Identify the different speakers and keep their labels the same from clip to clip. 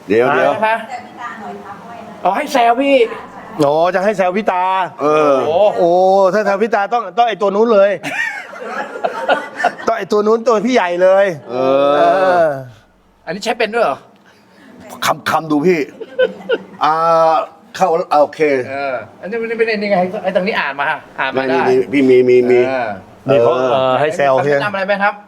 Speaker 1: เดี๋ยว
Speaker 2: นะคะอ๋อให้แซวพี่
Speaker 3: โอ้จะให้แซวพี่ตา
Speaker 2: โอ้
Speaker 3: ถ้าแซวพี่ตาต้องไอตัวนู้นเลย ต้องไอตัวนู้นตัวพี่ใหญ่เลย
Speaker 2: อันนี้ใช้เป็นด้วยเหรอ
Speaker 1: คำดูพี่เข้าโอเค
Speaker 2: อันนี้ไม่เป็นยังไงไอ้ตรงนี้อ่านมาได้
Speaker 1: พี่มี
Speaker 3: นี่เขาให้แซว
Speaker 2: เพี
Speaker 3: เพี
Speaker 2: ย
Speaker 3: ย
Speaker 2: ง
Speaker 3: ง
Speaker 2: ทำอะไรไหมครับ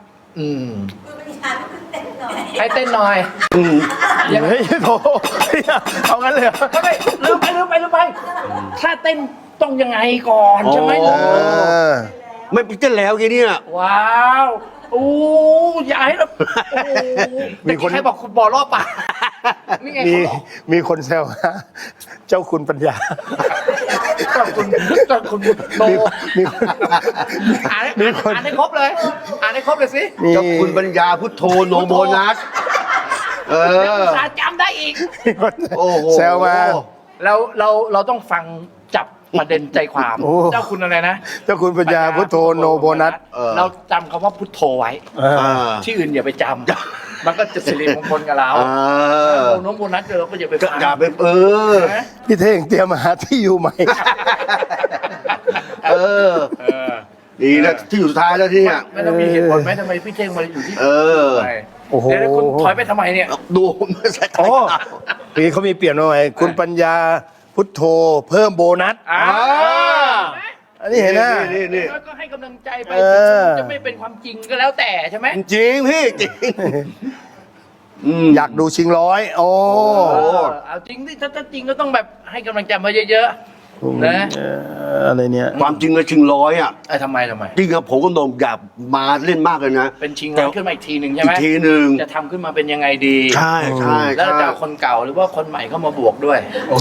Speaker 2: ให้เต้นหน่อย
Speaker 3: เฮ้ยโถเอางั้นเลยเหรอ
Speaker 2: ไม่ลืมไปถ้าเต้นต้องยังไงก่อนใช่ไหม
Speaker 1: ไม่เต้นแล้วทีนี้
Speaker 2: ว้าวโอ้ยายแล้วมีคนให้บอกคุณบอรอบป่ะนี่ไง
Speaker 3: มีคนแซวนะเจ้าคุณปัญญา
Speaker 2: เจ้าคุณโต
Speaker 3: มีคน
Speaker 2: อ่านให้ครบเลยสิ
Speaker 1: เจ้าคุณปัญญาพุทโธโนโบนัส
Speaker 2: สาจำได้อีก
Speaker 1: โอ้โห
Speaker 3: แซวมา
Speaker 2: เราต้องฟังจับประเด็นใจความ เจ้าคุณอะไรนะ
Speaker 3: เจ้าคุณปัญญาพุทโธโนโบนัส
Speaker 2: เราจำคำว่าพุทโธไว้ที่อื่นอย่าไปจำมันก็จะสิริมงคลกับเราโนโบนัสเราก็อย่าไปฟัง
Speaker 1: อย่าไป
Speaker 3: พี่เท่งเตรียมมาหาที่อยู่ใหม่
Speaker 1: ดีนะที่อยู่สุดท้ายแล้วที่เนี่ย
Speaker 2: ไม่ต้องมีเหตุผลไหมทำไมพี่เท่งมาอยู่ที่
Speaker 3: โอ้โห
Speaker 2: เดี๋ยวคุณถอยไปทำไมเนี่ย
Speaker 1: ดูไม่ใช่
Speaker 3: โอ้พี่เขามีเปลี่ยนมาใหม่คุณปัญญาพุทโธเพิ่มโบนัสอันนี้เห็นนะ
Speaker 1: นี่
Speaker 2: ก็ให้กำลังใจไปจะไม่เป็นความจริงก็แล้วแต่ใช่ไหม
Speaker 1: จริงพี่จริง
Speaker 3: อยากดูชิงร้อยโอ้
Speaker 2: เอาจริงที่ถ้าจริงก็ต้องแบบให้กำลังใจมาเยอะๆนะ
Speaker 3: อะไรเนี่ย
Speaker 1: ความจริงเลยชิงร้อย
Speaker 2: ทำไม
Speaker 1: จริงครับผมก็นมอยากมาเล่นมากเลยนะ
Speaker 2: เป็นชิงร้อยขึ้นมาอีกทีหนึ่งใช่ไหม
Speaker 1: อีกทีหนึ่ง
Speaker 2: จะทำขึ้นมาเป็นยังไงดี
Speaker 1: ใช่
Speaker 2: แล้วจะคนเก่าหรือว่าคนใหม่เข้ามาบวกด้วย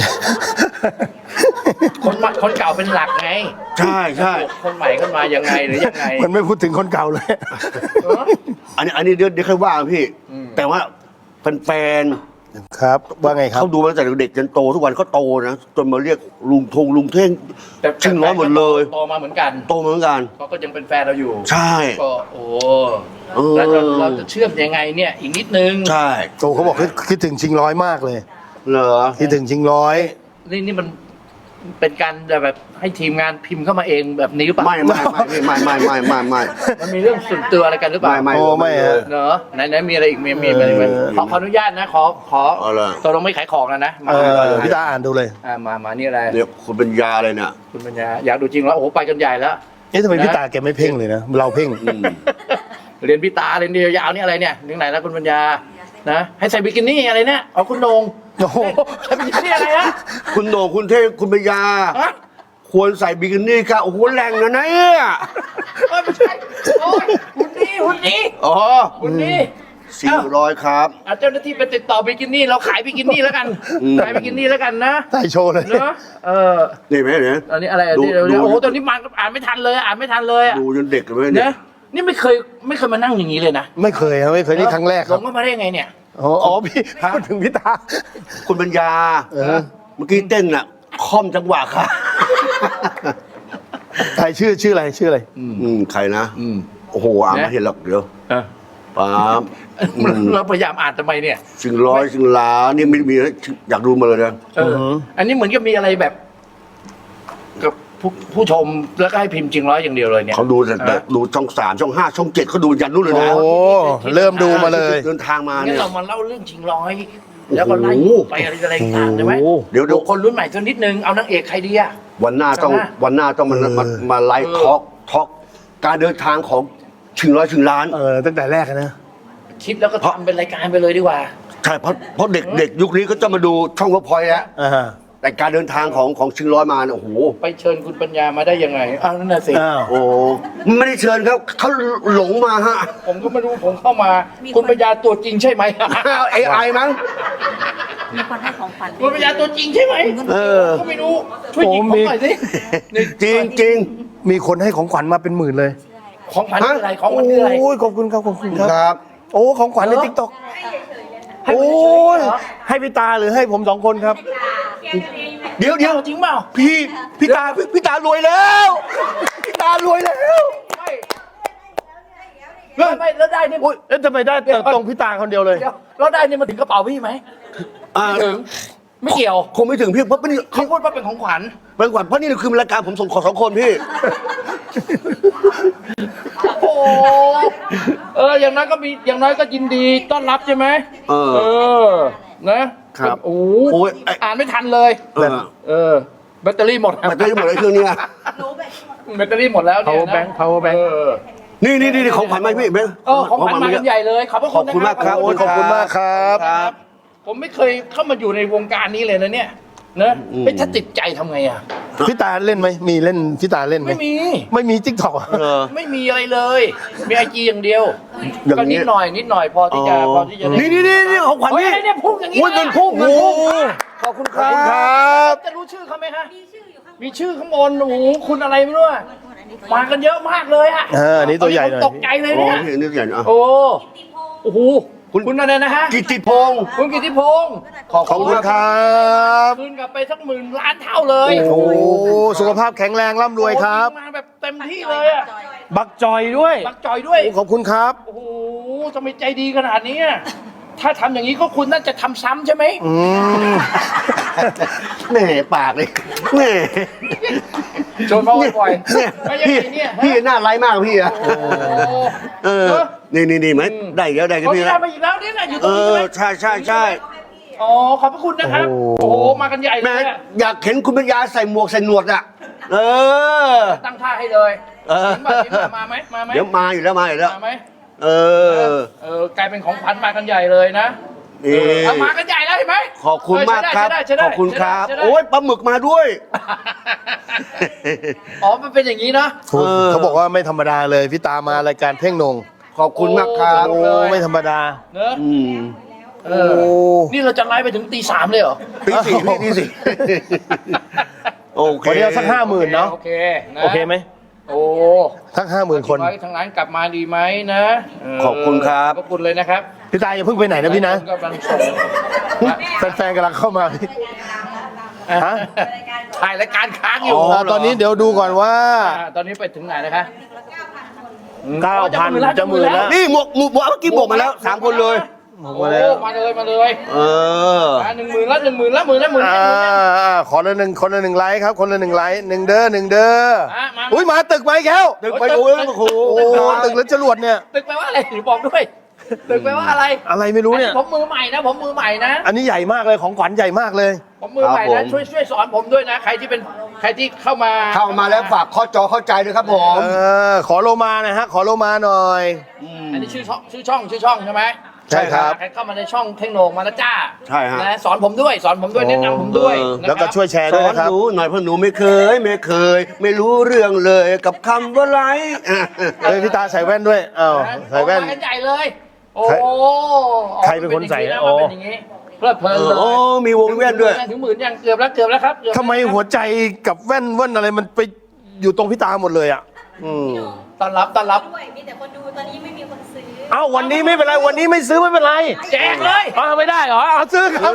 Speaker 2: คนเก่าเป็นหลักไง
Speaker 1: ใช่
Speaker 2: คนใหม่เข้ามายังไงหรือยังไง
Speaker 3: มันไม่พูดถึงคนเก่าเลย
Speaker 1: อันนี้เดี๋ยวค่อยว่าพี่แต่ว่าแฟน
Speaker 3: ครับว่าไงครับ
Speaker 1: เขาดูมาตั้งแต่เด็กจนโตทุกวันเขาโตนะจนมาเรียกลุงเท่งชิงร้อยหมดเลย
Speaker 2: โตมาเหมือนกันเขาก็ยังเป็นแฟนเราอยู่
Speaker 1: ใช่
Speaker 2: ก็แล้วเราจะเชื่อมยังไงเนี่ยอีกนิดนึง
Speaker 1: ใช่
Speaker 3: โตเขาบอกคิดถึงชิงร้อยมากเลย
Speaker 1: เหรอ
Speaker 3: คิดถึงชิงร้อย
Speaker 2: นี่มันเป็นการแบบให้ทีมงานพิมพ์เข้ามาเองแบบนี้หรือเปล่า
Speaker 1: ไม่
Speaker 2: มันมีเรื่องส่วนตัวอะไรกันหรือเปล่า
Speaker 3: ไม่
Speaker 2: เนอะไหนมีอะไรอีกมีอะไรขออนุญาตนะขอตัวลงไม่ขายของแล้วนะ
Speaker 3: พี่ตาอ่านดูเลย
Speaker 2: มานี่อะไร
Speaker 1: เดี๋ยวคุณปัญญาอะไรเนี่ย
Speaker 2: คุณปัญญาอยากดูจริงแล้วโอ้โหไปกันใหญ่แล้ว
Speaker 3: ทำไมพี่ตาแกไม่เพ่งเลยนะเราเพ่ง
Speaker 2: เรียนพี่ตาเรียนเดียวยาวนี่อะไรเนี่ยถึงไหนแล้วคุณปัญญานะให้ใส่บิกินี่อะไรเนี่ยเอาคุณโหน่ง
Speaker 3: โอ้โห
Speaker 2: ใส่บิกินี่อะไรฮะ
Speaker 1: คุณโหน่งคุณเท่คุณปัญญาควรใส่บิกินี่ค่ะโอ้โหแรงนะเนี่ย
Speaker 2: ไม่ใช่โอ้ยหุ่นดีหุ่นดี
Speaker 1: 400ครับ
Speaker 2: เจ้าหน้าที่ไปติดต่อบิกินี่เราขายบิกินี่แล้วกันขายบิกินี่แล้วกันนะ
Speaker 3: ใส่โชว์เลย
Speaker 2: เนาะ
Speaker 1: นี่ไหมเนี่ย
Speaker 2: อันนี้อะไรโอ้โหตอนนี้มันอ่านไม่ทันเลย
Speaker 1: ดูจนเด็กเลยเนี่ย
Speaker 2: นี่ไม่เคยมานั่งอย่างนี้เลยนะ
Speaker 3: ไม่เคยนี่ครั้งแรก
Speaker 2: ครับลงมาได้ไงเนี่ย
Speaker 3: อ๋อพี่พูดถึงพี่ตา
Speaker 1: คุณปัญญาเมื่อกี้เต้นค่อมจังหวะค่ะ
Speaker 3: ใครชื่ออะไร
Speaker 1: ใครนะโอ้โหอ่านไม่เห็นหรอกเดี๋ยวป๊าบ
Speaker 2: เราพยายามอ่านทำไมเนี่ย
Speaker 1: ชิงร้อยชิงล้านนี่ไม่มีอยากดูมาเลยนะ
Speaker 2: อันนี้เหมือนกับมีอะไรแบบกับผู้ชมแล้วก็ให้พิมพ์จริงร้อยอย่างเดียวเลยเนี่ย
Speaker 1: เขาดูแต่ดูช่อง3ช่อง5ช่อง7เขาดูยันนู้นเลยนะ
Speaker 3: โอ้เริ่มดูมาเลย
Speaker 1: เดินทางมาเนี่ย
Speaker 2: เรามาเล่าเรื่องชิงร้อยแล้วก็ไล่ไปอะไรต่างๆใช่ไหม
Speaker 1: เดี๋ยว
Speaker 2: คนรุ่นใหม่สักนิดนึงเอานางเอกใครดีอะ
Speaker 1: วันหน้าต้องมาไลฟ์ทอล์กการเดินทางของชิงร้อยชิงล้าน
Speaker 3: ตั้งแต่แรกนะ
Speaker 2: คิดแล้วก็ทำเป็นรายการไปเลยดีกว่า
Speaker 1: ใช่เพราะเด็กยุคนี้ก็จะมาดูช่องเวิร์กพอยต์แล้วแต่การเดินทางของชิงร้อยมาโอ้โห
Speaker 2: ไปเชิญคุณปัญญามาได้ยังไงนั่นน่ะสิ
Speaker 1: โอ้ไม่ได้เชิญครับเขาหลงมาฮะ
Speaker 2: ผมก็ไม่รู้ผมเข้ามาคุณปัญญาตัวจริงใช่ไหม
Speaker 1: AI มั้ง
Speaker 4: มีคนให้ของขวัญ
Speaker 2: คุณปัญญาตัวจริงใช่ไหมก็ไม่รู้ช่วยหยิบผมหน่อยสิ
Speaker 1: จริง
Speaker 3: มีคนให้ของขวัญมาเป็นหมื่นเลย
Speaker 2: ของขวัญคืออะไรของขวัญคืออะไร
Speaker 3: โอ้ยขอบคุณครับโอ้ของขวัญใน TikTok โอ้ยให้พี่ตาหรือให้ผม2 คนครับ
Speaker 1: เดี๋ยว
Speaker 2: จริงเปล่า
Speaker 1: พี่ตารวยแล้วพี่ตารวยแล้ว
Speaker 2: ไม่แล้วได้นี่
Speaker 3: อุ๊ยเอ๊ะทำไมได้แต่ตรงพี่ตาคนเดียวเลย
Speaker 2: เดี๋ยวแล้วได้นี่มาถึงกระเป๋าพี่ไหม
Speaker 1: อ่า
Speaker 2: ถึงไม่เกี่ยว
Speaker 1: คงไม่ถึงพี่เพราะนี่
Speaker 2: เขาพูดว่าเป็นของขวัญ
Speaker 1: เป็นก่อนเพราะนี่คือรายการผมส่งขอ2 คนพี่
Speaker 2: โอ้อย่างน้อยก็มีอย่างน้อยก็ยินดีต้อนรับใช่ไหม
Speaker 1: เออ
Speaker 2: นะครับ โอ้
Speaker 1: โอ้ย
Speaker 2: อ่านไม่ทันเลย
Speaker 1: เออ
Speaker 2: แบตเตอรี่หมด
Speaker 1: แบตเตอรี่หมดเลยเครื่องนี้อะ
Speaker 2: แบตเตอรี่หมดแล้วเนี่ย
Speaker 3: power bank power bank
Speaker 1: นี่ของขวัญไหมพี่เบง
Speaker 2: ของขวัญมากันใหญ่เลยขอบพระ
Speaker 1: ข
Speaker 2: คุ
Speaker 1: อบ
Speaker 2: ณนะ
Speaker 1: คุณมากครับ
Speaker 3: โอ้ยขอบคุณมากครับ
Speaker 1: ครับ
Speaker 2: ผมไม่เคยเข้ามาอยู่ในวงการนี้เลยนะเนี่ยนะถ้าติดใจทำไงอ่ะ
Speaker 3: พี่ตาเล่นไหมมีเล่นพี่ตาเล่นไหม
Speaker 2: ไม่มี
Speaker 3: ไม่มีติ๊กต็อก
Speaker 2: ไม่มีอะไรเลย มีไอจีอย่างเดียว
Speaker 1: อย่าง
Speaker 2: ก็
Speaker 1: นี้
Speaker 2: นิดหน่อยพอที่จะพอที่จะได้
Speaker 1: นี่ของขวัญ
Speaker 2: เฮ้ย
Speaker 1: นี่
Speaker 2: เนี่ยพุ่งอย่างนี้
Speaker 1: อุ้ยเงินพุ่งเงินพุ่งขอบคุณค
Speaker 3: ขอบคุณค
Speaker 1: รั
Speaker 3: รับ บ
Speaker 2: จะรู้ชื่อเขาไหมฮะ
Speaker 4: มีชื่ออยู่ข้างบน
Speaker 2: มีชื่อข้างบนโอ้โหคุณอะไรไม่รู้อะมากันเยอะมากเลยอะ
Speaker 3: อันนี้ตัวใหญ่หน่อย
Speaker 2: ตกใจเลย
Speaker 1: โอ้
Speaker 2: เนี่ย
Speaker 1: พี่นึกอย่างอ่ะ
Speaker 2: โอ้
Speaker 4: ติพงศ์
Speaker 2: โอ้โหคุณอะไรนะฮะ
Speaker 1: กิตติพงศ์
Speaker 2: คุณกิติพงศ์
Speaker 1: ขอบ
Speaker 3: ขอบ
Speaker 1: คุ
Speaker 3: คุณ ณ
Speaker 1: ค
Speaker 3: ครับ
Speaker 2: คืนกลับไปสัก10,000,000,000เท่าเลย
Speaker 3: โอ้โหสุขภาพแข็งแรงร่ำรวยครับ
Speaker 2: โอ้โหมาแบบเต็มที่เลยอะ
Speaker 3: บักจอยด้วย
Speaker 2: บักจอยด้วย
Speaker 3: โอ้ขอบคุณครับ
Speaker 2: โอ้โหทำไมใจดีขนาดนี้อะถ้าทำอย่างนี้ก็คุณน่าจะทำซ้ำใช่ไหม
Speaker 1: แหม่ปากเลยแหม่
Speaker 2: ชวนมาบ่อย
Speaker 1: เนี่ย
Speaker 2: ๆไม่ยัง
Speaker 1: พี่
Speaker 2: ไงเนี่ย
Speaker 1: พี่น่าไร้ายมากพี่อะ
Speaker 2: โอ้โห
Speaker 1: เออนี่ไหมได้อีกแล้วได้กัน
Speaker 2: เขา
Speaker 1: พี่
Speaker 2: ได้
Speaker 1: แล้ว
Speaker 2: มาอีกแล้วเนี่ยนะอยู่ต
Speaker 1: เอ
Speaker 2: รงนี้
Speaker 1: อ
Speaker 2: ใช่ไหม
Speaker 1: ใช่
Speaker 2: อ๋อขอบพระคุณนะครับ โอ้โหมากันใหญ่เล
Speaker 1: แม่
Speaker 2: ยอะ
Speaker 1: อยากเห็นคุณปัญญาใส่หมวกใส่หนวดอ่ะเออ
Speaker 2: ตั้งท่าให้เลย
Speaker 1: เออ
Speaker 2: เห็นป่ะมาไหมมาไหม
Speaker 1: เดี๋ยวมาอยู่แล้วมาอยู่แล้ว
Speaker 2: มาไหม
Speaker 1: เออ
Speaker 2: กลายเป็นของขวัญมากันใหญ่เลยนะ
Speaker 1: นี่
Speaker 2: เอามากันใหญ่แล้วเห็นไหม
Speaker 1: ขอบคุณมากครับ
Speaker 2: ใช้ได้
Speaker 1: ขอบคุณครับ
Speaker 2: ใช้ได้
Speaker 1: โอ้ยปลาหมึกมาด้วย
Speaker 2: อ๋อมันเป็นอย่างนี้นะ
Speaker 3: ถูกเขาบอกว่าไม่ธรรมดาเลยพี่ตามารายการเพ่งนง
Speaker 1: ขอบคุณมากครับ
Speaker 2: โอ้
Speaker 3: โอ้ไม่ธรรมดา
Speaker 2: เนอะ
Speaker 1: อืม
Speaker 2: เออนี่เราจะไลฟ์ไปถึงตี 3เลยเหรอ
Speaker 1: ตีสี่พี่ตีสี่โอเค
Speaker 3: วันนี้เอาสัก50,000เนาะ
Speaker 2: โอเคนะ
Speaker 3: โอเคไหม
Speaker 2: โอ้
Speaker 3: ทั้ง50,000 คน
Speaker 2: ไว้ทางร้านกลับมาดีไหมนะเ
Speaker 1: ขอบคุณครับ
Speaker 2: ขอบคุณเลยนะครับ
Speaker 3: พี่ตาอย่าเพิ่งไปไหนนะพี่นะ
Speaker 2: กำลังส่ง
Speaker 3: แฟนๆกำลังเข้ามาพี่ ฮะ
Speaker 2: ถ่ายรายการค้างอยู่
Speaker 3: ตอนนี้เดี๋ยวดูก่อนว่า
Speaker 2: ตอนนี้ไปถึงไหนนะคะ
Speaker 3: 9,000 จะหมื่นแล้ว
Speaker 1: นี่หมวกเมื่อกี้บวกมาแล้ว3 คนเลย
Speaker 2: โอ้มาเลย
Speaker 1: เออ
Speaker 2: 10,000ละ10,000ละ10,000ละ10,000ละ
Speaker 3: ขอละหนึ่งคนละ1 ไลค์ครับ คนละ1 ไลค์1 เด้อ1 เด้อ
Speaker 2: มา
Speaker 3: อุ้ยมาตึกไหมแก้ว
Speaker 1: ตึกไปดูแล้วโอ้โห
Speaker 3: โอ้ตึกแล้วจรวดเนี่ย
Speaker 2: ตึกแปลว่าอะไรบอกด้วยตึกแปลว่าอะไร
Speaker 3: อะไรไม่รู้เนี่ย
Speaker 2: ผมมือใหม่นะผมมือใหม่นะ
Speaker 3: อันนี้ใหญ่มากเลยของขวัญใหญ่มากเลย
Speaker 2: ผมมือใหม่นะช่วยสอนผมด้วยนะใครที่เข้ามา
Speaker 1: เข้ามาแล้วฝากข้อจอเข้าใจด้วยครับผม
Speaker 3: ขอโลมาหนะฮะ ขอโลมาหน่อย
Speaker 2: อันนี้ชื่อช่องใช่ไหม
Speaker 3: ใช่ครับ
Speaker 2: ใครเข้ามาในช่องเทคโนมาแล้วจ้า
Speaker 1: ใช่ฮะ
Speaker 2: นะสอนผมด้วยแนะนำผมด้วยนะครับ
Speaker 3: แล้วก็ช่วยแชร์
Speaker 1: ส
Speaker 3: ด้วย
Speaker 1: อน
Speaker 3: นะครับ
Speaker 1: หนูหน่อยเพราะหนูไม่เคย ไม่รู้เรื่องเลยกับคำว่าไรอ่ะ
Speaker 3: พี่ตาใส่แว่นด้วยอ้าวใส่แว่น
Speaker 2: มากันใหญ่เลย โอ้
Speaker 3: ใครเป็นคนใส่
Speaker 2: อ๋อมันเป็นอย่างนี้เพลิดเพลินเลย
Speaker 1: โอ้มีวงแว่นด้วย
Speaker 2: ถึง10,000ยังเกือบแล้วครับเกือบแล้ว
Speaker 3: ทำไมหัวใจกับแว่นอะไรมันไปอยู่ตรงพี่ตาหมดเลยอ่ะ
Speaker 2: ต้อนรับ
Speaker 4: ด้วยมีแต่คนดูตอนนี้ไม่มีคนซื้อ
Speaker 3: เอ้าวันนี้ไม่เป็นไร วันนี้ไม่ซื้อไม่เป็นไร
Speaker 2: แจกเลย
Speaker 3: ไม่ได้เหรอเอาซื้อครับ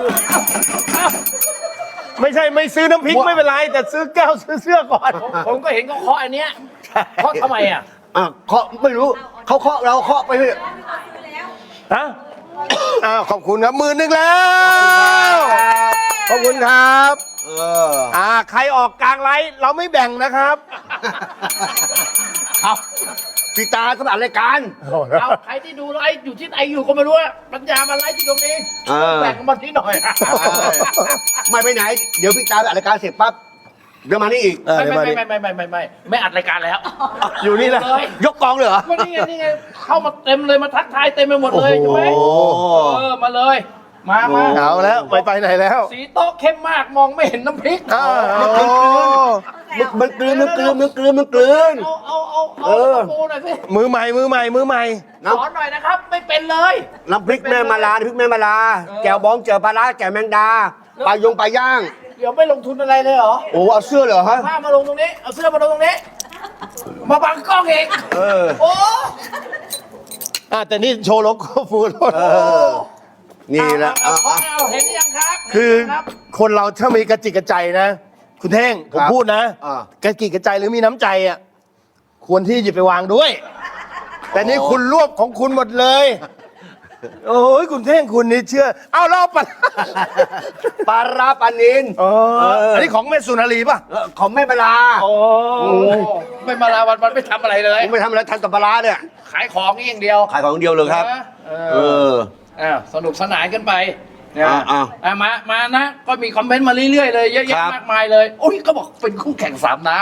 Speaker 3: ไม่ใช่ไม่ซื้อน้ำพริกไม่เป็นไร แต่ซื้อแก้วซื้อเสื้อก่อน
Speaker 2: ผมก็เห็นเขาเคาะอันเนี้ยเคาะทำไมอ่ะ
Speaker 1: เคาะไม่รู้เขาเคาะเราเคาะไปเถอะ
Speaker 3: ฮะขอบคุณครับ10,000แล้ว ขอบคุณครับ ใครออกกลางไลฟ์เราไม่แบ่งนะครับ
Speaker 1: ครับพี่ตาก็มาอัดรายการ
Speaker 2: เอาใครที่ดูไลฟ์อยู่ที่ไหนอยู่ก็ไม่รู้อะปัญญามาไลฟ์ที่ตรงนี้ แบ่งมาที่หน่อย
Speaker 1: ไม่ไปไหน เดี๋ยวพี่ตาไปอัดรายการเสร็จปั๊บเดี๋ยวมานี่อีก
Speaker 2: ไม่อัดรายการแล้ว
Speaker 3: อยู่นี่แหละ
Speaker 1: ยกกองเลยเหรอ
Speaker 2: ก็นี่ไงเข้ามาเต็มเลยมาทักทายเต็มไปหมดเลยใช่ไหม
Speaker 1: โอ้
Speaker 2: มาเลยมา
Speaker 3: เอาแล้วไม่ไปไหนแล้ว
Speaker 2: สีโต๊ะเข้มมากมองไม่เห็นน้ำพริก
Speaker 1: มันกลืนเอาปูหน่อยสิ
Speaker 3: มือใหม่ส
Speaker 2: สอนหน่อยนะครับ ไม่เป็นเลย
Speaker 1: น้ำพริกแม่มาลาน้ำพริกแม่มาลาแจ่วบองแจ่วปลาร้าแจ่วแมงดาปลาย่าง
Speaker 2: เดี๋ยวไม่ลงทุนอะไรเลยเหรอ
Speaker 1: โอ้เอาเสื้อเหรอฮะ
Speaker 2: ผ้ามาลงตรงนี้ เอาเสื้อมาลงตรงนี้ มาบังกล้องเอง โอ้
Speaker 3: แต่นี่โชว์โลโก้ฟูด
Speaker 1: นี่แหละ
Speaker 2: เอาเห็นหรือยังครับ
Speaker 3: คือ
Speaker 2: เห็นไหมรับ
Speaker 3: คนเราถ้ามีกระจิกกระใจนะ คุณเท่งผมพูดนะ
Speaker 1: อ่า
Speaker 3: กระจิกกระใจหรือมีน้ำใจอ่ะควรที่หยิบไปวางด้วยแต่นี่คุณรวบของคุณหมดเลย โอ้ยคุณเท่งคุณนี่เชื่อ เอาเล่าปะ
Speaker 1: ปลาร้าปลานิน
Speaker 3: อ๋ออันนี้ของแม่สุนารีป่ะ
Speaker 1: ของแม่ปลา
Speaker 3: โอ้
Speaker 2: ไม่มาลาวันไม่ทำอะไรเลย
Speaker 1: ผมไปทำอะไรทันกับปลาร้าเนี่ย
Speaker 2: ขายของนี่อย่างเดียว
Speaker 1: ขายของเดียวเลยครับ
Speaker 2: นะเอ
Speaker 1: เอ
Speaker 2: อ
Speaker 1: อ
Speaker 2: สนุกสนานกันไปนะ
Speaker 1: อ่า
Speaker 2: มานะ ก็มีคอมเมนต์มาเรื่อยๆเลยเยอะ
Speaker 1: ครั
Speaker 2: แยะ
Speaker 1: บ
Speaker 2: มากมายเลยโอ้ยก็บอกเป็นคู่แข่งสามนะ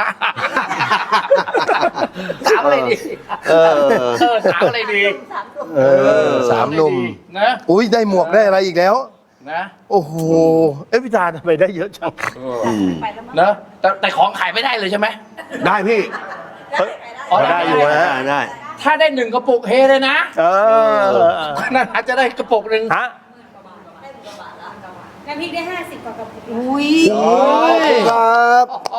Speaker 2: ถามอะไรดี
Speaker 1: เออ
Speaker 2: ถามอะไรดี
Speaker 3: สามหนุ่ม
Speaker 2: นะ
Speaker 3: อุ้ยได้หมวกได้อะไรอีกแล้ว
Speaker 2: นะ
Speaker 3: โอ้โห เอ้ยพี่ตาทำไมได้เยอะจัง
Speaker 4: ไปแล้วมั้ง
Speaker 2: นะแต่ของขายไม่ได้เลยใช่ไหม
Speaker 1: ได้พี่
Speaker 3: เฮ้ย
Speaker 2: อ๋อ
Speaker 3: ได้อยู่ฮะ
Speaker 1: ได้
Speaker 2: ถ้าได้1 กระปุกเฮเลยนะ
Speaker 3: เออ
Speaker 2: นั่นอาจจะได้กระปุกหนึ่ง
Speaker 3: ฮะ
Speaker 4: ได้ถึงกว่าบาทละน้ำพริกได้50 กว่ากระปุก
Speaker 2: อุ้ย
Speaker 1: ครับ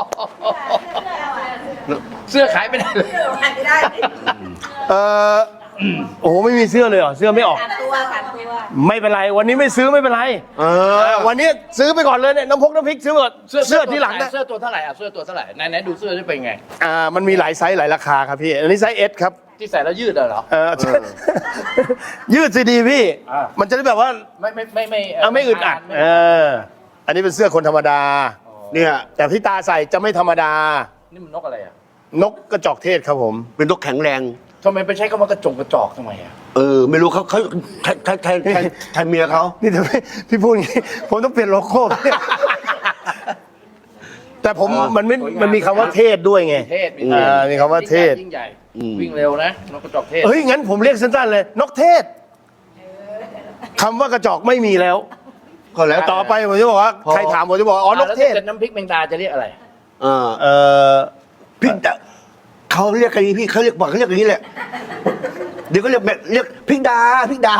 Speaker 2: เสื้อขายไม่ได้เลย
Speaker 4: ขายไม่ได้
Speaker 3: เออโอ้โหไม่มีเสื้อเลยเหรอเสื้อไม่ออก
Speaker 4: 3 ตัว3 ตัว
Speaker 3: ไม่เป็นไรวันนี้ไม่ซื้อไม่เป็นไร
Speaker 1: เออ
Speaker 3: วันนี้ซื้อไปก่อนเลยเนี่ยน้ำพริกซื้อก่อนเสื้อที่หลังนะ
Speaker 2: เสื้อตัวเท่าไหร่อ่ะเสื้อตัวเท่าไหร่ไหนดูเสื้อจะเป็นไง
Speaker 3: มันมีหลายไซส์หลายราคาครับพี่อันนี้ไซส์ S ครับ
Speaker 2: ที่ใส่แล้วยืดเหรอ
Speaker 3: ยืดซีดีพี่
Speaker 2: อ่า
Speaker 3: มันจะได้แบบว่า
Speaker 2: ไม่
Speaker 3: ไม่อึดอัดอันนี้เป็นเสื้อคนธรรมดา
Speaker 1: เนี่ย
Speaker 3: แต่พี่ตาใส่จะไม่ธรรมดา
Speaker 2: นี่มันนกอะไรอ่ะ
Speaker 3: นกกระจอกเทศครับผม
Speaker 1: เป็นนกแข็งแรง
Speaker 2: ทำไมไปใช้คำว่ากระจอกทำไมอ่ะ
Speaker 1: ไม่รู้เขาใครเมียเขา
Speaker 3: นี่แต่พี่พูดอย่างนี้ ผมต้องเปลี่ยนโลโก้ แต่ผมมันมีคำว่าเทศด้วยไง
Speaker 2: เทศ
Speaker 3: มีคำว่าเทศ
Speaker 2: ยิ่งใหญ่วิ่งเร็วนะนกกระจอกเทศ
Speaker 3: เฮ้ยงั้นผมเรียกสั้นๆเลย นกเทศคำว่ากระจอกไม่มีแล้ว
Speaker 1: ก็แล้ว
Speaker 3: ต่อไปผมจะบอกว่าใครถามผมจะบอกอ๋อนกเทศ
Speaker 2: แล้วน้ำพริกแมงดาจะเรียกอะไร
Speaker 3: เออ
Speaker 1: พี่เขาเรียกกันนี้พี่เขาเรียกอย่างนี้แหละ เดี๋ยวก็เรียกพริกดา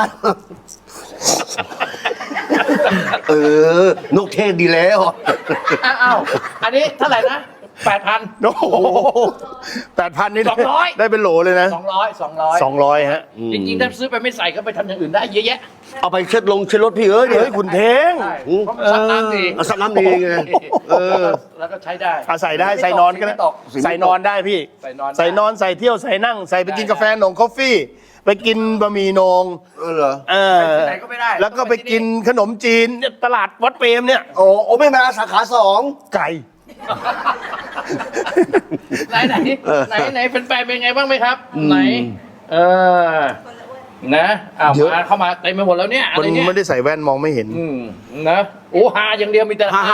Speaker 1: นกเทศดีแล้ว
Speaker 2: อ้าวอันนี้เท่าไหร่นะ 8,000
Speaker 3: โอ้โห8,000นี่
Speaker 2: 200
Speaker 3: ได้เป็นโหลเลยนะ
Speaker 2: 200
Speaker 3: 200ฮะ
Speaker 2: จริงๆถ้าซื้อไปไม่ใส่ก็ไปทำอย่างอื่นได้เยอะแยะ
Speaker 1: เอาไปเช็ดรถพี่เอ้ยเดี๋ยว
Speaker 3: เฮ้ยคุณเท้ง
Speaker 2: ใช่เพราะมันซับน้ำดี
Speaker 1: เอาซับน้ำดีไง
Speaker 2: แล้วก็ใช้ได้
Speaker 3: ใส่ได้ใส่นอนก็ได้
Speaker 2: ไม่ตก
Speaker 3: ใส่นอนได้พี่
Speaker 2: ใส่นอนได้
Speaker 3: ใส่นอนใส่เที่ยวใส่นั่งใส่ไปกินกาแฟหนงคอฟฟี่ ไปกินบะหมี่โหนง
Speaker 1: เหรอ
Speaker 2: ไปที่ไหนก็ไม่ได้
Speaker 3: แล้วก็ไปกินขนมจีนเนี่ยตลาดวัดเปรมเนี่ย
Speaker 1: โอ้ไม่มาสาขา2
Speaker 3: ไก่
Speaker 2: ไหนเป็นแฟนเป็นไงบ้างไหมครับ ไหนนะมาเข้ามาเต็มไปหมดแล้วเนี่ยอะ
Speaker 3: คน
Speaker 2: ไรเนี่ย
Speaker 3: ไม่ได้ใส่แว่นมองไม่เห็น
Speaker 2: นะโอ้ฮาอย่างเดียวมีแต่
Speaker 1: ฮ่า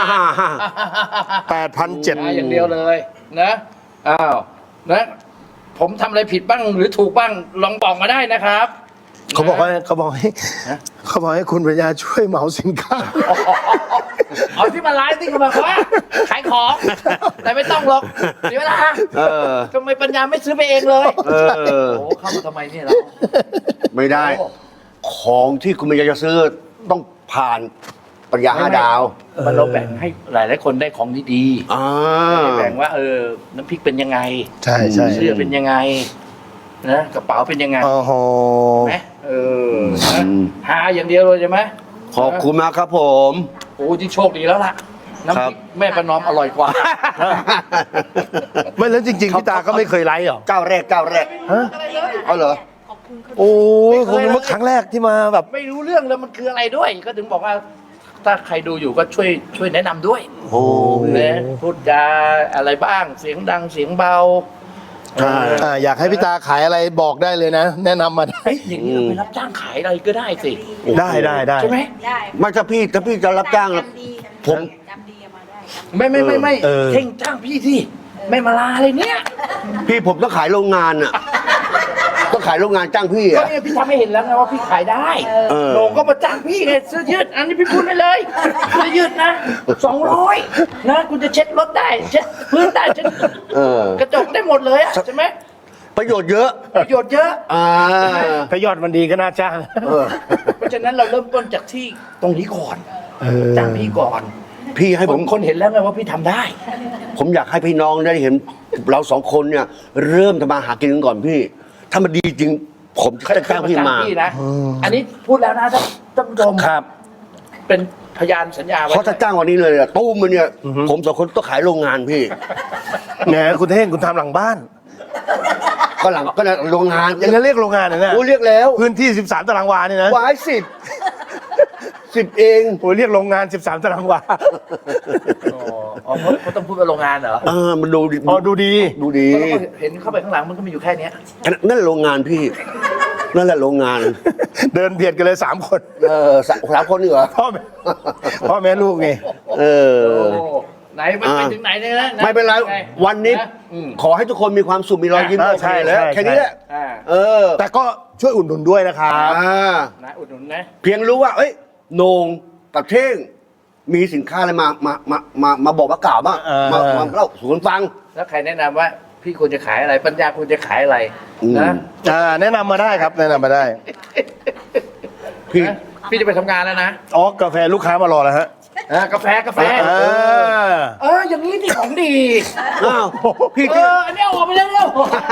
Speaker 3: 8,700
Speaker 2: ฮาอย่างเดียวเลยนะอ้าวนะผมทำอะไรผิดบ้างหรือถูกบ้างลองบอกมาได้นะครับ
Speaker 3: เขาบอกให้คุณปัญญาช่วยเหมาสินค้า
Speaker 2: เอาที่มาไลฟ์ที่เขาบอกว่าขายของแต่ไม่ต้องหรอกเดี๋ยวนะทำไมปัญญาไม่ซื้อไปเองเลยโอ้เข้ามาทำไมเนี่ยเรา
Speaker 1: ไม่ได้ ของที่คุณปัญญาจะซื้อต้องผ่านปัญญา5 ดาว
Speaker 2: มันเราแบ่งให้หลายคนได้ของดีๆแบ่งว่าน้ำพริกเป็นยังไง
Speaker 3: ใช่
Speaker 2: เสื้อเป็นยังไงนะกระเป๋าเป็นยังไง
Speaker 3: โอ้โห
Speaker 2: ไหมนะหาอย่างเดียวเลยใช่ไหม
Speaker 1: ขอบคุณมากครับผม
Speaker 2: โอ้ที่โชคดีแล้วล่ะน้ำพริกแม่ประนอมอร่อยกว่า
Speaker 3: ไม่แล้วจริงๆพี่ตาก็ไม่เคยไลฟ์หรอ
Speaker 1: เจ้าแรก
Speaker 3: ฮะ
Speaker 1: เอาเหรอ
Speaker 4: ขอบคุณเขา
Speaker 3: โอ้ยคงเป็นครั้งแรกที่มาแบบ
Speaker 2: ไม่รู้เรื่องแล้วมันคืออะไรด้วย ก็ถึงบอกว่า ถ้าใครดูอยู่ก็ช่วยแนะนำด้วย
Speaker 1: โอ้
Speaker 2: นะพูดจาอะไรบ้างเสียงดังเสียงเบา
Speaker 3: อยากให้พี่ตาขายอะไรบอกได้เลยนะ แนะนำมาได้
Speaker 2: เฮ้ยอย่างนี้เราไปรับจ้างขายอะไรก็ได้สิ
Speaker 3: ได้
Speaker 2: ใช่ไหม
Speaker 4: ได้
Speaker 1: ไม่ถ้าพี่จะรับจ้าง
Speaker 4: จำดี
Speaker 1: ผม
Speaker 4: จำดีเอามาได้
Speaker 2: ไม่เท่งจ้างพี่ที่ไม่มาลาเลยเนี่ย
Speaker 1: พี่ผมต้องขายโรงงานอ่ะ ต้องขายโรงงานจ้างพี่
Speaker 2: ก็
Speaker 1: อ่ะ
Speaker 2: เนี่ยพี่ทำให้เห็นแล้วไงว่าพี่ขายได้
Speaker 1: เออ
Speaker 2: โหนงก็มาจ้างพี่ไงเสื้อยืดอันนี้พี่พูดได้เลยเสื้อยืดนะ200นะคุณจะเช็ดรถได้เช็ดพื้นได้เช็ด กระจกได้หมดเลยอะใช่ไหม
Speaker 1: ประโยชน์เยอะ
Speaker 2: ประโยชน์เยอะ
Speaker 3: ถ้ายอดมันดีก็น่าจ้าง
Speaker 2: เพราะฉะนั้นเราเริ่มต้นจากที่ตรงนี้ก่อนจ้างพี่ก่อน
Speaker 1: พี่ให้ผม
Speaker 2: คนเห็นแล้วไงว่าพี่ทำได้
Speaker 1: ผมอยากให้พี่น้องได้เห็นเรา2 คนเนี่ย เริ่มทำมาหากินกันก่อนพี่ ถ้ามันดีจริง ผมจะจ้างพี่มา
Speaker 2: นะอันนี้พูดแล้วนะท่านผู้ชม
Speaker 1: ครับ
Speaker 2: เป็นพยานสัญญาไว้
Speaker 1: เพราะถ้าจ้างวันนี้เลยอะตู้มมันเนี่ย ผม2 คนต้องขายโรงงานพี่
Speaker 3: แหมคุณเท่งคุณทำหลังบ้าน
Speaker 1: กก็หลังก็โรงงาน
Speaker 3: ยังจะเรียกโรงงานเลยนะ
Speaker 1: โอ้เรียกแล้ว
Speaker 3: พื้นที่ 13 ตารางวานี่นะ
Speaker 1: วาย10 เอง
Speaker 3: โอ้ยเรียกโรงงาน 13 ตารางวา
Speaker 2: อ๋อเขาต้องพูดว่าโรงงานเหรอ
Speaker 1: มันดูดิ
Speaker 3: อ๋อดูดี
Speaker 1: ดูดี
Speaker 2: ก็เห็นเข้าไปข้างหลังมันก็มีอยู่แค่เนี้ย
Speaker 1: นั่นแหละโรงงานพี่ นั่นแหละโรงงาน
Speaker 3: เดินเบียดกันเลย 3 คน
Speaker 1: สามคนนี่เหรอ
Speaker 3: พ่อแม่ลูกไง
Speaker 1: เออ
Speaker 2: โอ้ไหนมันไปถึงไหนเนี่ยนะ
Speaker 1: ไม่เป็นไร
Speaker 2: ไง
Speaker 1: วันนี้ ขอให้ทุกคนมีความสุขมีรอยยิ้ม
Speaker 3: ใช่
Speaker 1: แล้ว
Speaker 3: ใช่
Speaker 1: แค่นี้แหละ
Speaker 2: อ่า
Speaker 1: เออ
Speaker 3: แต่ก็ช่วยอุดหนุนด้วยนะครับ
Speaker 2: นะอุดหนุนนะ
Speaker 1: เพียงรู้ว่า เอ้ยโหนงกับเท่ง มีสินค้าอะไรมาบอกว่ากล่าวบ้างมาเล่าสู่กันฟัง
Speaker 2: แล้วใครแนะนำว่าพี่ควรจะขายอะไรปัญญาควรจะขายอะไรนะ
Speaker 3: แนะนำมาได้ครับแนะนำมาได้
Speaker 1: พี่
Speaker 2: นะพี่จะไปทำงานแล้วนะ
Speaker 3: อ๋อกาแฟลูกค้ามารอแล้วฮะ
Speaker 2: กาแฟ อย่างนี้ที่ของดี
Speaker 1: อ้าวพี่ที่
Speaker 2: อันนี้เอาออกไปเร็ว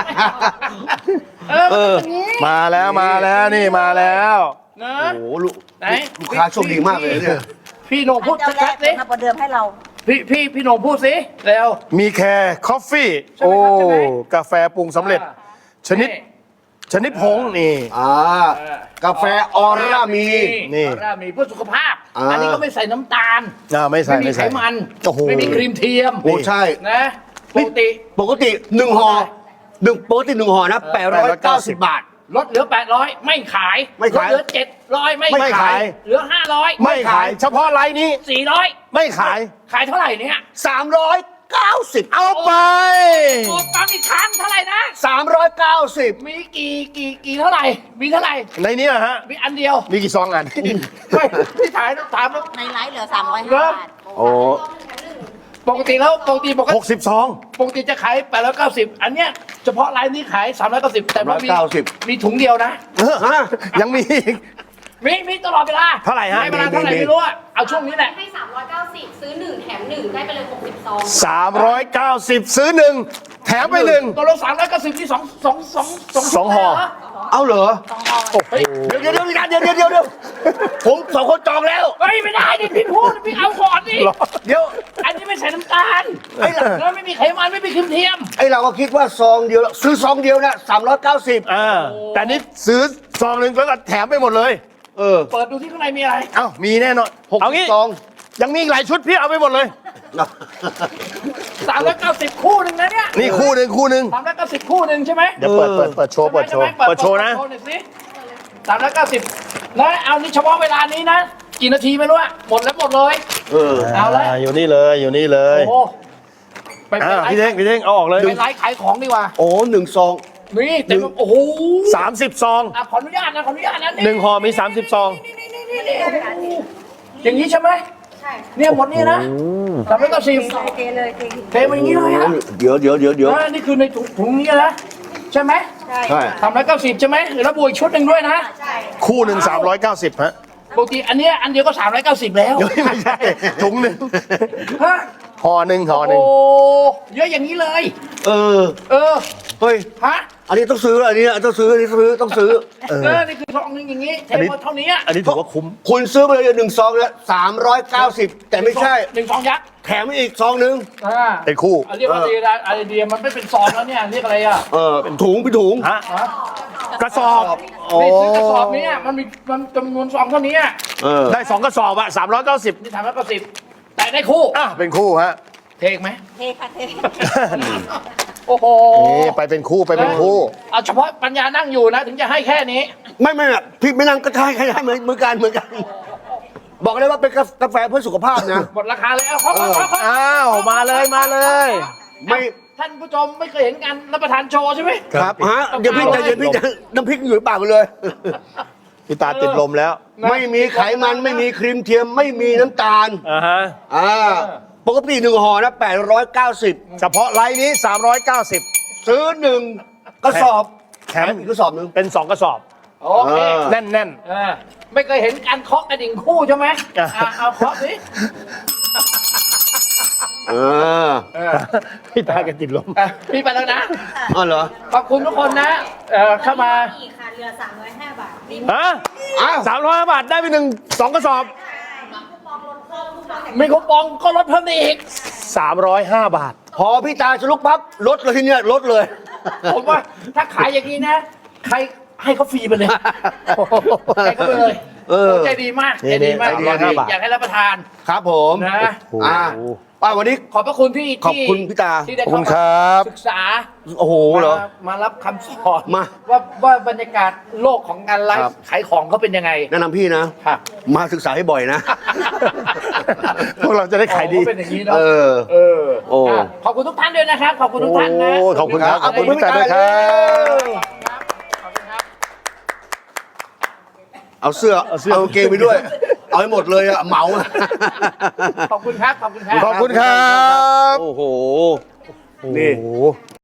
Speaker 2: อย่างนี้
Speaker 3: มาแล้วนี่มาแล้ว
Speaker 2: นะ
Speaker 1: โอ้โหลูก
Speaker 2: ไหน
Speaker 1: ลูกค้าโชคดีมากเลยเนี่ย
Speaker 2: พี่โหนงพูด
Speaker 4: เจ้าแร
Speaker 2: ชั
Speaker 4: ก
Speaker 2: ดๆสิ
Speaker 4: มาประเดิมให้เรา
Speaker 2: พี่โหนงพูดสิเร็ว
Speaker 3: มีแคร์คอฟฟี่
Speaker 2: ใช่ไหม
Speaker 3: โอ้
Speaker 2: ครับใช่ไหม
Speaker 3: กาแฟปรุงสำเร็จ ชนิดผงนี่
Speaker 1: กาแฟออร่ามี
Speaker 3: นี่
Speaker 2: ออร่ามีเพื่อสุขภาพ
Speaker 1: อ่า
Speaker 2: อันนี้ก็ไม่ใส่น้ำตาล
Speaker 3: ไม่ใส่
Speaker 2: มีไขมัน
Speaker 3: โอ้โห
Speaker 2: ไม่มีครีมเทียม
Speaker 1: โอ้ใช่
Speaker 2: นะปกติ
Speaker 1: ปกติ1 ห่อปกติ1 ห่อนะ890 บาท
Speaker 2: ลดเหลือ 800 ไม่ขาย
Speaker 1: ไม่ขาย
Speaker 2: ลดเหลือ 700 ไม่
Speaker 3: ไม่ขาย
Speaker 2: เหลือ 500
Speaker 3: ไม่ขาย เฉพาะไลน์นี้
Speaker 2: 400
Speaker 3: ไม่ขาย
Speaker 2: ขายเท่าไหร่เนี่ย
Speaker 1: 390
Speaker 3: เอาไป
Speaker 2: โอ้ฟังอีกครั้งเท่าไหร่นะ
Speaker 1: 390
Speaker 2: มีกี่เท่าไหร่ มีเท่าไหร่
Speaker 3: ในนี้นะฮะ
Speaker 2: มีอันเดียว
Speaker 3: มีกี่ซองอัน
Speaker 2: ไม่ที่ถามว่า
Speaker 4: ในไลฟ์เหลือ 305 บาท
Speaker 1: โอ้
Speaker 2: ปกติ
Speaker 3: 60 ซอง
Speaker 2: ปกติจะขาย890อันเนี้ยเฉพาะไลน์นี้ขาย390แต่ว่ามีถุงเดียวนะ
Speaker 1: ฮะ
Speaker 3: ยังมีอีก
Speaker 2: มีตลอดเวลา
Speaker 3: เท่าไหร่ฮะ
Speaker 2: ให้เวลาเท่าไหร่ไม่รู้อะเอาช่วงนี้แหละ
Speaker 5: ให้ 390 ซื้อ 1 แถม 1 ได้ไปเลย 60 ซอง
Speaker 3: 390 ซื้อ 1 แถมไป 1
Speaker 2: ตัวลง390ที่สอง
Speaker 3: ห่อ
Speaker 2: เหร
Speaker 1: เอาเหรอ
Speaker 2: เฮ้ย
Speaker 1: เดี๋ยวผม2 คนจองแล้ว
Speaker 2: เฮ้ยไม่ได้ดิพี่พูดพี่เอาก่อนดิ
Speaker 1: เดี๋ยว
Speaker 2: อันนี้ไม่ใส่น้ำตาล
Speaker 1: ไอ้ล่ะ
Speaker 2: แล้วไม่มีไขมันไม่มีครีมเทียม
Speaker 1: ไอเราก็คิดว่าซองเดียวซื้อซองเดียวนะ390
Speaker 3: แต่นี่ซื้อซองหนึ่งแล้วก็แถมไปหมดเลย
Speaker 2: เปิดดูที่ข้างในมีอะไร
Speaker 3: เอ้ามีแน่นอนเอางี้
Speaker 1: 60 ซอง
Speaker 3: ยังมีอีกหลายชุดพี่เอาไปหมดเลย
Speaker 2: 390คู่หนึ่งนะเนี่ย
Speaker 3: นี่คู่หนึ่ง
Speaker 2: 390คู่หนึ่งใช่ไหม
Speaker 3: เดี๋ยวเปิดโชว์เปิดโชว์นะ
Speaker 2: โชว์หน่อยสิ390แล้วเอานี่เฉพาะเวลานี้นะ กี่นาทีไม่รู้อะหมดเลย เอาละ
Speaker 3: อยู่นี่เลย
Speaker 2: โอ้โหไป
Speaker 3: พี่เท่งเอาออกเลย
Speaker 2: ไปไลฟ์ขายของดีกว่า
Speaker 1: โอ้1 ซอง
Speaker 2: นี่เต็มโอ้โห
Speaker 3: 30 ซอง
Speaker 2: ขออนุญาตนะ
Speaker 3: 1 ห่อมี 30 ซอง
Speaker 2: นี่โอ้โหอย่างนี้ใช่ไหม
Speaker 4: ใช่
Speaker 2: เนี่ยหมดนี่นะ390
Speaker 4: เทเลย
Speaker 2: เทมาอย่างนี้เลยอะ
Speaker 1: เดี๋ยว
Speaker 2: นี่คือในถุงนี้นะใช่ไหม
Speaker 1: ใช่
Speaker 2: 390ใช่ไหมแล้วบวกอีกชุดหนึ่งด้วยนะ
Speaker 4: ใช่
Speaker 3: คู่หนึ่ง390ฮะ
Speaker 2: ปกติอันเนี้ยอันเดียวก็390แล้ว
Speaker 3: ไม่ใช่ถุงหนึ่ง
Speaker 2: ฮะ
Speaker 3: ห่อหนึ่ง
Speaker 2: โอ้เยอะอย่างนี้เลย
Speaker 1: เออ เฮ้ย
Speaker 2: ฮะ
Speaker 1: อันนี้ต้องซื้อ อันนี้ต้องซื้อ ต้องซื้อ
Speaker 2: นี่คือซองหนึงอย่างนี้เทหมดเท่านี้
Speaker 3: อันนี้ถือว่าคุ้ม
Speaker 1: คุณซื้อไปเลย1 ซองแล้ว390 แต่ไม่ใช่
Speaker 2: 1 ซองยักษ์
Speaker 1: แถมอีกซองนึง
Speaker 3: เป็นคู่
Speaker 2: เรียกว่าอะไรเดียมันไม่เป็นซองแล้วเนี่ยเรียกอะไรอ่ะ
Speaker 1: ถุงพี่ถุง
Speaker 3: ฮะ กระสอบ
Speaker 2: นี่ซื้อกระสอบนี้มันจำนวนซองเท่านี้
Speaker 3: ได้ 2 กระสอบอะ390
Speaker 2: นี่390แต่ได้คู่
Speaker 3: เป็นคู่ฮะ
Speaker 2: เทกไหม
Speaker 4: เทค่ะเท
Speaker 2: โอ้โห
Speaker 3: นี่ไปเป็นคู่
Speaker 2: เอาเฉพาะปัญญานั่งอยู่นะถึงจะให้แค่นี้
Speaker 1: ไม่พี่ไม่นั่งก็ใช่เหมือนกัน บอกเลยว่าเป็นกาแฟเพื่อสุขภาพนะ
Speaker 2: หมดราคาเลยเอาขอ
Speaker 3: อ้าวมาเลย
Speaker 1: ไม่
Speaker 2: ท่านผู้ชมไม่เคยเห็นการรับประทานโชว์ใช่ไหม
Speaker 1: ครับฮะเดี๋ยวพี่ใจเย็นพี่น้ำพริกอยู่ในปากเลย
Speaker 3: พี่ตาติดลมแล้ว
Speaker 1: ไม่มีไขมันไม่มีครีมเทียมไม่มีน้ำตาล ปกติ1 ห่อนะ890
Speaker 3: เฉพาะไลน์นี้390
Speaker 1: ซื้อ1 กระสอบแถมอีกกระสอบนึง
Speaker 3: เป็น 2 กระสอบ
Speaker 2: โอเค
Speaker 3: แน่น
Speaker 2: ไม่เคยเห็นการเคาะกระดิ่งคู่ใช่ไหมเอาเคาะสิ
Speaker 3: พี่ตาแกติดลม
Speaker 2: พี่ไปแล้วนะ
Speaker 1: อ๋อเหรอ
Speaker 2: ขอบคุณทุกคนนะเข้ามา
Speaker 4: อีกค่ะเหลือ 305 บาทมี
Speaker 3: ฮะ
Speaker 1: อ้าว
Speaker 3: 300 บาทได้ไป2 กระสอบ
Speaker 4: คูปองลดเพิ่มคูปอง
Speaker 2: มีคูปองก็ลดเพิ่มได้อีก
Speaker 3: 305 บาท
Speaker 1: พอพี่ตาจะลุกปั๊บลดเลยทีเนี้ยลดเลย
Speaker 2: ผมว่าถ้าขายอย่างนี้นะ ใครให้เขาฟรีไปเลยให้เขาไปเลย
Speaker 1: เออ
Speaker 2: โอ้ใจดีมากใจดีมาก
Speaker 3: นี่ๆ
Speaker 2: อยากให้รับประทาน
Speaker 1: ครับผม
Speaker 2: นะ
Speaker 1: วันนี้
Speaker 2: ขอบพระคุณที่
Speaker 1: ขอบคุณพี่ตา
Speaker 2: ที่ได้
Speaker 3: ขอบคุ
Speaker 2: เข้า
Speaker 3: ณ
Speaker 2: มา
Speaker 3: ครับ
Speaker 2: ศึกษา
Speaker 1: โอ้โหเหรอ
Speaker 2: มารับคำสอน
Speaker 1: มา
Speaker 2: ว่าบรรยากาศโลกของการไล
Speaker 1: ครับ
Speaker 2: ฟ์ขายของเขาเป็นยังไง
Speaker 1: แนะนำพี่นะ
Speaker 2: ครับ
Speaker 1: มาศึกษาให้บ่อยนะ
Speaker 3: พวกเราจะได้ขายดี
Speaker 2: อ๋อเป็นอย่างนี้เนาะ
Speaker 1: เออ
Speaker 2: เออ
Speaker 1: โอ้
Speaker 2: อ่ะขอบคุณทุกท่านด้วยนะครับ ขอบคุณทุกท่านนะ
Speaker 3: โอ้ขอบคุณครับ
Speaker 1: ขอบคุณพี่ตา
Speaker 3: ด้วยครับ
Speaker 2: ขอบคุณครับ
Speaker 1: เอาเสื้อเอากางเกงไปด้วย เอาให้หมดเลยอะเหมาอะ
Speaker 2: ขอบคุณครับ ขอบคุณครับ
Speaker 3: ขอบคุณครับ
Speaker 1: โอ้โห
Speaker 3: นี่
Speaker 1: นี่